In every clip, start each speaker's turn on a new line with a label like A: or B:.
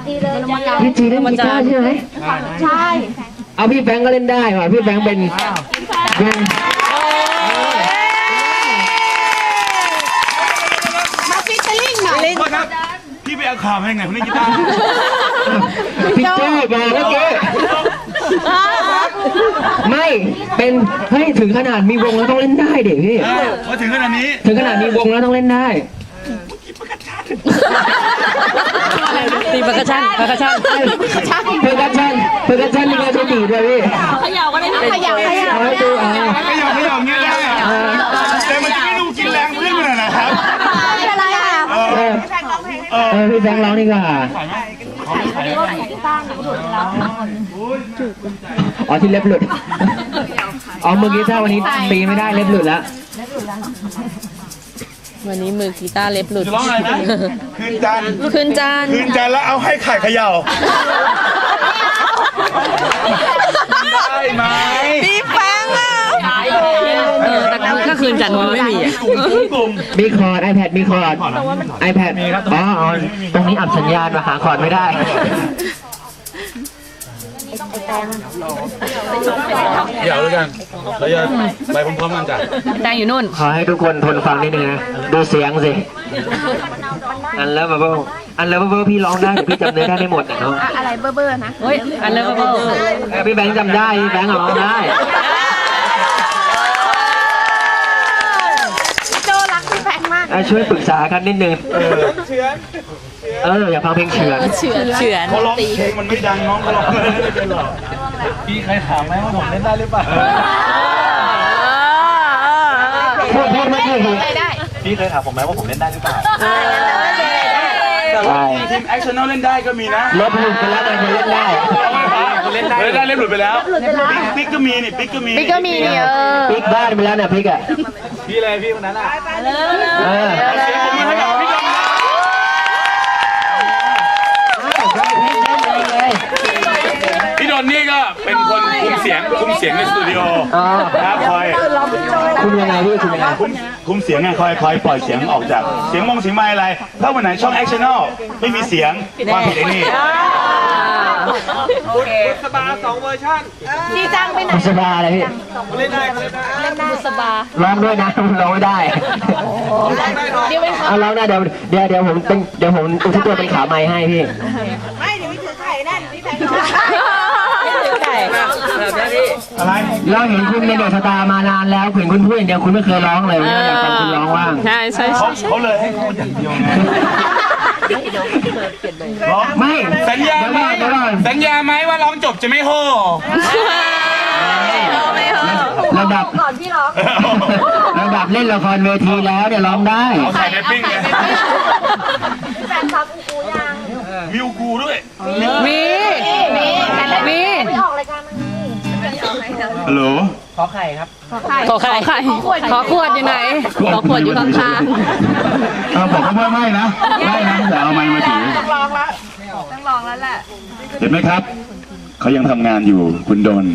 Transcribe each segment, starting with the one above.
A: พี่จีเล่นกีตาร์ใช่ไหมใช่เอาพี่แบงก์ก็เล่นได้ว่ะพี่แบงก์เป็นวง
B: มาฟิชเชอร์ลิงหน่อย
C: ครับพี่ไปเอาข่าวมาให้ไงคนนี้กีตาร์
A: พี่โจ้มาเมื่อกี้ไม่เป็นเฮ้ยถึงขนาดมีวงแล้วต้องเล่นได้เด็กพี่
C: พอถึงขนาดนี้
A: ถึงขนาดมีวงแล้วต้องเล่นได้
D: ตีปากกาชั่นปากกาชั่น
A: เพอร์คัชชั่นนี่ก็ใช้ดีด้วยพี่
D: เขย่าก็ได้
B: ขยับ
C: ไม่ยอมเงี้ยได้แต่มันจะไม่ดูกินแรงเพื่อนมันนะครับ
B: อะไรอ่ะ
A: พี่แบงค์ร้องนี่ก็อ๋อที่เล็บหลุดอ๋อมือกีตาร์วันนี้ตีไม่ได้เล็บหลุดแล้ว
D: วันนี้มือกีตาร์เล็บหลุด
C: ร้องอะไรนะคืนจันแล้วเอาให้ไข่เขย่าได้ไหม
B: พี่แฟงอ่ะ
D: แต่ก็คืนจันทร์มันไม่มี
A: มีคอร์ด iPad มีคอร์ด iPad อ๋อตรงนี้อับสัญญาณมาหาคอร์ดไม่ได้
C: เดี๋ยวด้วยกันเราจะไปพร้อมๆกันจ้ะ
D: แดงอยู่นู่น
A: ขอให้ทุกคนทนฟังนิดนึงนะดูเสียงสิอันแล้วบับเบิ้ลพี่ร้องได้แต่พี่จำเนื้อได้ไม่หมดเนาะ
B: อะไรเบ้อๆนะ
D: เฮ้ยอันเลิฟเบอร์
A: พี่แบงค์จำได้พี่แบงค์ร้องได้
B: โจรักพี่แฟงมาก
A: ช่วยปรึกษากันนิดนึงอย่าฟังเพลงเฉือน
C: เขาร้องเพลงมันไม่ดังน้องเขาร้องไม่ได้เป็นหรอกพี่ใครถามไหมว่าผมเล่นได้หรือเปล่า
A: พูดไม่ถูก
C: พี่เคยถามผมไหมว่าผมเล่นได้หรือเปล่าทีมแอคชั่นเล่นได้ก็มีนะ
A: ลบหลุดไปแล้วแต่คนเล่นได้
C: เล่นได้เล่นหลุดไปแล้วปิ๊กก็มีนี่ปิ๊กก็มี
A: ปิ๊กบ้านไปแล้วเนี่ยปิ๊กอ่ะ
C: พี่อะไรพี่คนนั้นอ่ะพี่ดอนนี่ก็เป็นคนคุมเสียงในสตูดิโอครับคอย
A: คุมยังไงพี่คุมยังไง
C: คุมเสียงไงคอยปล่อยเสียงออกจากเสียงเสียงไม้อะไรถ้าวันไหนช่องแอคชั่นอลไม่มีเสียงความผิดไอ้นี่
B: สบา2เวอร์ชันดีจังไปไหน
A: สบาอะไรพี่
B: เล่นได้สบา
A: ร้องด้วยนะร้องไม่ได้เอาร้องได้เดี๋ยวผมอุทิศตัวเป็นขาไม้ให้พี่
B: ไม่เดี๋ยวพี่ถือไข่นั่นพี่แฟง
C: อะไร
A: เราเห็นคุณในเดอะสตาร์มานานแล้วเห็นคุณพูดอย่างเดียวคุณไม่เคยร้องเลยวันนี้อยากฟังคุณร้องว่าง
D: ใช่
C: เขาเลยให้พูดอย่างเดียวไง
A: ไม่
C: สัญญาไหมว่าร้องจบจะไม่โห่
A: ระดับ
B: ก่อนพี่ร้อง
A: เล่นละครเวทีแล้วเนี่ยร้องได้
C: เอาใส่ในปิ้งเลย
B: แฟนฟังกูยัง
C: มีกูด้วย
D: มี
B: ไม่ออกรายการมัน
C: ฮัลโหล
A: ขอไข่ครับ
D: ขอขวดอยู่ไหนขอขวดอยู่ข้าง
C: ๆบอกเขาไม่นะแต่เอาไม้มาถือ
B: ต้องลองแล้วแหละ
C: เห็นไหมครับเขายังทำงานอยู่คุณดน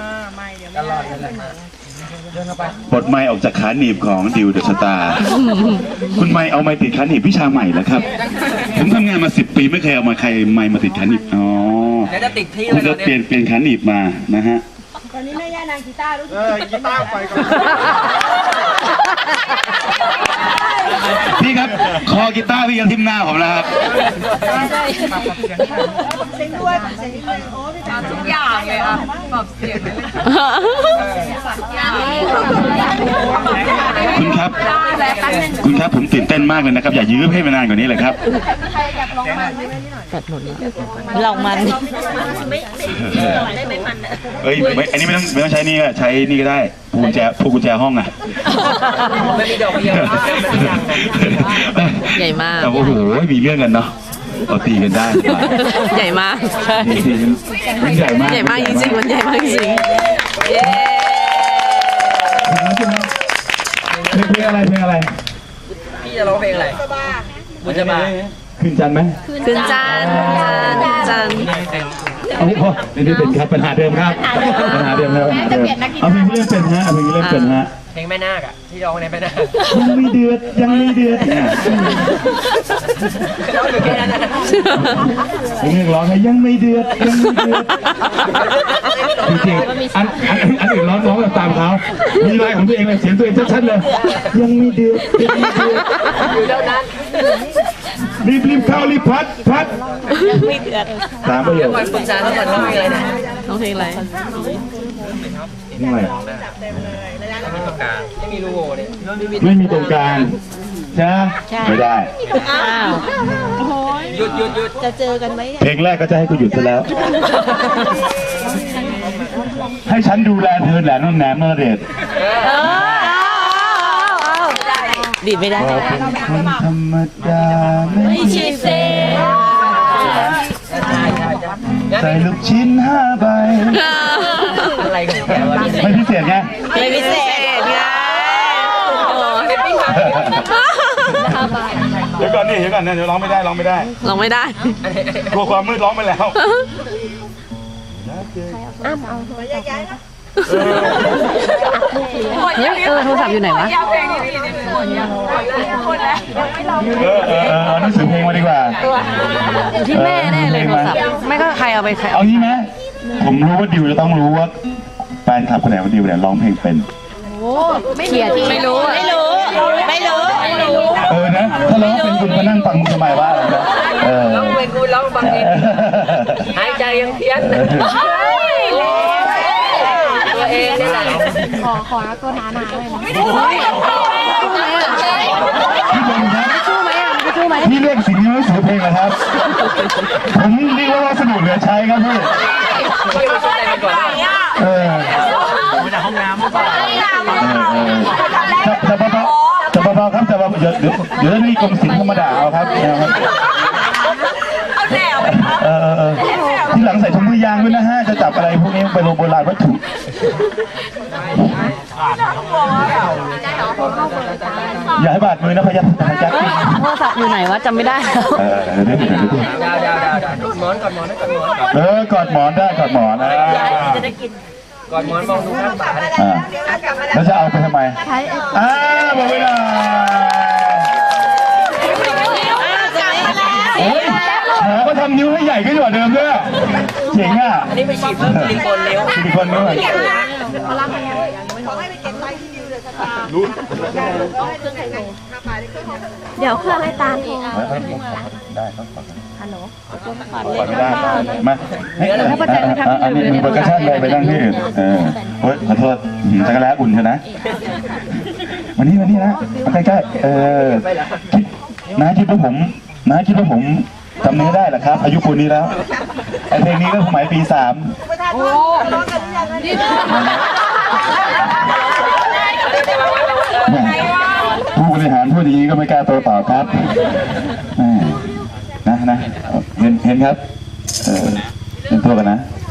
C: ปลดไม้ออกจากขาหนีบของดิวเดอะสตาร์คุณไม้เอาไม้ติดขาหนีบวิชาใหม่แล้วครับผมทำงานมา10 ปีไม่เคยเอามาใครไม้มาติดขาหนีบอ๋อ
A: แล้วจะติดที่
C: คุณก็เปลี่ยนขาหนีบมานะฮะ
B: ตอนนี้แม่ย่านางกีตาร์รู้สึก
C: กีตาร์ไปก่อนพี่ครับคอกีตาร์พี่ยังทิ่มหน้าผมแล้วครับ
B: เสียงด้วยโอ้พี่จ๋าทุกอย่างเลยอ่ะแบบเสียง
C: คุณครับผมตื่นเต้นมากเลยนะครับอย่ายื้อให้มานานกว่านี้เลยครับ
B: ใครอยากร้องมัน
D: ตัดหมดลองมัน
C: เอ้ยอันนี้ไม่ต้องใช้นี่ก็ใช้นี่ก็ได้พวงกุญแจห้องอ่ะ
A: ไม่มีดอกเดียว
D: ใหญ่มาก
C: โอ้โหมีเรื่องกันเนาะเอาตีกันได้
D: ใหญ่มาก
C: ใหญ่มาก
D: จริงๆมันใหญ่มากจริงเย้
C: เพลงอะไร
A: พี่จะร้องเพลงอะไรบุญจะมา
C: ขึ้นจันไหม
D: ขึ้นจัน
C: เอาพอนี่เป็นครับปัญหาเดิมครับปัญหาเดิมครับปัญหาเดิมเอาเพลงที่เล่นเป็นฮะเอาเพลงที่เล่นเป็นฮะ
A: เพลงแม่นาคอะที่ร้องในแม่นาค
C: ยังไม่เดือดยังไม่เดือดเนี่ย
A: ร้องอยู่แค่นั้นนะ
C: เพลงร้องไงยังไม่เดือดยังไม่เดือดจริงๆอันอื่นร้องแบบตามเขามีลายของตัวเองเลยเสียงตัวเองชัดๆเลยยังไม่เดือดยังไม่เดือด
A: อยู่เท่านั้น
C: รีบเข้ารีบพัดตามประโยค
A: ก่อนปรึกษาแล้วก่อนร้องเพลงอะไรนะ
D: น้องเพลงอะไร
C: นี่อะไร
A: ไม่มีรูโหว่เนี่ย
C: ไม่มีตรงกลางใช่ไหมไม่ได้
D: อ้าว
A: หยุด
E: จะเจอกันไหม
C: เพลงแรกก็จะให้กูหยุดซะแล้ว ให้ฉันดูแลเธอแหละน้องแหนมนรเดช
D: ดีดไม่ได้
C: ก็เป็นคนธรรมดาไม่
D: ชีเซ่
C: ใส่ลูกชิ้น5 ใบ
A: อะไรกันแกวะนี่
C: ไม่พิเศษไง
D: ไม่พิเศษไง
C: เดี๋ยวก่อนนี่เดี๋ยวก่อนนะเดี๋ยวร้องไม่ได้
D: ลองไม่ได้
C: กลัวความมืดร้องไปแล้ว
D: โทรศัพท์อยู่ไหนวะ
B: อยากเพลงนี้ดีคนแล้ว
C: เอาหนังสือเพลงมาดีกว่า
D: อยู่ที่แม่แน่เลยโทรศัพท์ ไม่ก็ใครเอาไปใคร
C: เอางี้ไหมผมรู้ว่าดิวจะต้องรู้ว่าแฟนคลับคนไหนว่าดิวเนี่ยร้องเพลงเป็น
D: เขียนไม่รู้อะ
C: นะถ้าร้องเป็นคุณมานั่งฟังมึงทำไมว่าอะไรนะ
A: ร้องเพลงกูร้องบางทีหายใจยังเพี้ยนตัวเองนี่แหละ
E: ขอตัวหนาๆเลยนะ
C: พี่บอลครับ
D: ชู้ไหมอ่ะมันจะชู้ไหม
C: พี่เรียกสิ่งนี้ว่าสือเพลงเหรอครับ ผมเรียกว่าวัสดุเหลือใช้ครับพี่
A: พี่มาช่วยอะไรกันก่อน
C: มาจากห้องน้ำจะเบาๆครับจะเบาๆเดี๋ยวนี่กรมศิลป์ธรรมดาเอาครับ
B: เอาแนว
C: ที่หลังใส่ถุงมือยางด้วยนะฮะจะจับอะไรพวกนี้ไปโบราณวัตถุอย่าให้บาดมือนะพยัคฆ์
D: โทรศัพท์อยู่ไหนวะจำไม่ได้
C: เดี๋ยว
A: ดาวหมอนก่อนหมอนนะก่อนหมอน
C: กอดหมอนได้กอดหมอนนะ
A: ก่อนหมอนมองดูข้างฝา
C: แล้วจะเอาไปทำไมหมดเวลาหมอก็ทำนิ้วให้ใหญ่ขึ้นกว่าเดิมด้วยเจ๋งอ่ะ
A: อันนี้ไปฉีดเพิ่มซิลิโคนเร็ว
C: ซิลิโคนด้วย
E: เดี๋ยวเครื่องให้ตามโทร
C: ได้ครับฮัลโหลไม่ได้มาอันนี้มือประกาศเลยไปนั่งที่อื่นโอ๊ยขอโทษจักรแล้อุ่นเถอะนะวันนี้นะมาใกล้ๆคิดคิดว่าผมจำเนื้อได้เหรอครับอายุปูนนี้แล้วไอเพลงนี้ก็สมัยปี 3ผู้บริหารพูดอย่างนี้ก็ไม่กล้าโต้ตอบครับนะเห็นครับเป็นตัวกันนะ